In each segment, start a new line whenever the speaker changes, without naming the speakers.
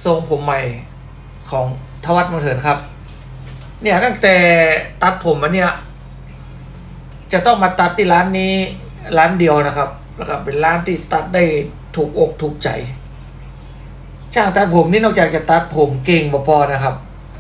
ทรงผมใหม่ของทวัฒน์มังเถินครับเนี่ยตั้งแต่ตัดผมมาเนี่ยจะต้องมาตัดที่ร้านนี้ร้านเดียวนะครับแล้วก็เป็นร้านที่ตัดได้ถูกอกถูกใจช่างตัดผมนี่นอกจากจะตัดผมเก่งบ่พอนะครับ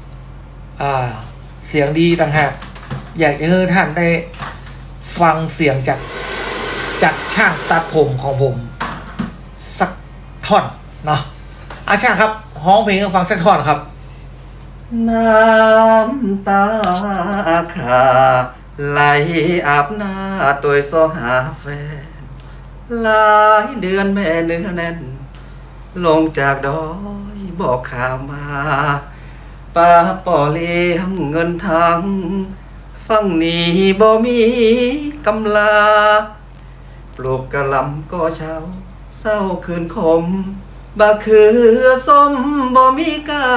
เสียงดีต่างหากอยากจะให้ท่านได้ฟังเสียงจากช่างตัดผมของผมสักท่อนเนาะช่างครับฮ้องเพลงให้ฟังสักท่อนครับ
น้ำตาขาไหลอาบหน้าตัวซอหาแฟนหลายเดือนแม่เนื้อแน่นลงจากดอยบอกข่าวมาป้าป่อเลี้ยงเงินทางฟังนี้บ่มีกำลาปลูกกะหล่ำก็เช้าเศร้าคืนคมบะคือส้มบ่มีกา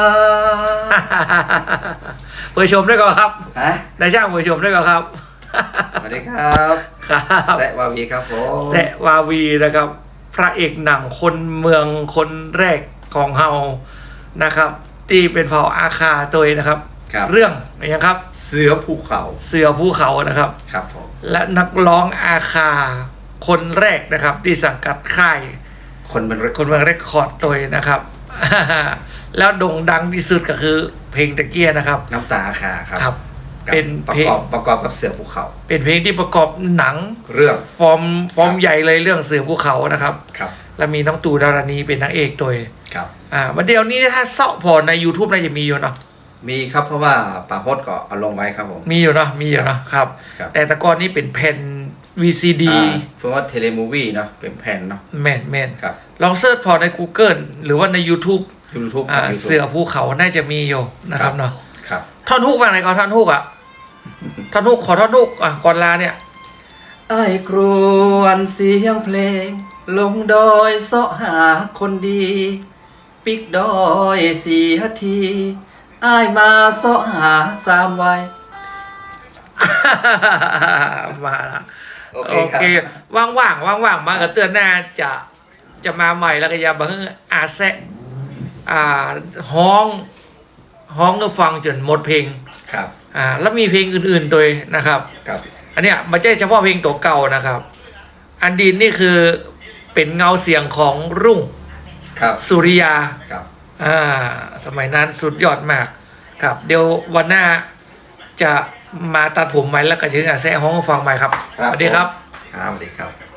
เปิดชมได้ก่อนครับ
ฮะ
นายช่างเปิดชมได้ก่อนครับ
สวัสดีครับ
ครับ
แซะวาวีครับผม
แซะวาวีนะครับพระเอกหนังคนเมืองคนแรกของเฮานะครับที่เป็นเผ่าอาคาตัวนะครับเรื่องอะไรครับ
เสือภูเขา
นะครับ
ครับผม
และนักร้องอาคาคนแรกนะครับที่สังกัดค่าย
คนเมืองเ
รคคอร์ดตัวนะครับแล้วโด่งดังที่สุดก็คือเพลงตะเกียนะครับ
น้ำตาอาคาครับ
เป็นเพลง
ประกอบกับเสือภูเขา
เป็นเพลงที่ประกอบหนัง
เรื่อง
ฟอร์มใหญ่เลยเรื่องเสือภูเขานะครับ
ครับ
แล้วมีน้องตู่ดารณีเป็นนางเอกตัว
ครับ
วันเดียวนี้ถ้าเซาะพอใน YouTube น่าจะมีอยู่เนาะ
มีครับเพราะว่าป่าพดก็เอาลงไว้ครับผม
มีอยู่เนาะครับแต่ตะกอนนี้เป็นแผ่น VCD
เพราะว่าเทเลมูวี่เนาะเป็นแผ่นเนาะ
แม่น
ครับ
ลองเสิร์ชพอใน Google หรือว่าใน YouTube เสือภูเขาน่าจะมีอยู่นะครับเนาะ
ครับ
ท่อนฮุกว่าไหนก่อนท่อนฮุกท่อนฮุกขอท่อนฮุกก่อนลาเนี่ย
ไอ้ครวนเสียงเพลงลงดอยเสาะหาคนดีปิกดอยเสียทีอ้ายมาเสาะหา3 วัย
มาละโอเคว่างมากับเตือนหน้าจะมาใหม่แล้วก็อย่าบังแซะฮ้องก็ฟังจนหมดเพลง
ครับ
แล้วมีเพลงอื่นๆตัวนะครับอันเนี้ยไม่ใช่เฉพาะเพลงตัวเก่านะครับอันดินนี่คือเป็นเงาเสียงของรุ่งสุริยา
ครับ
สมัยนั้นสุดยอดมากครับเดี๋ยววันหน้าจะมาตัดผมใหม่แล้วก็จะแซะฮ้องฟังใหม่ครับสวัสดีครับ
สวัสดีครับ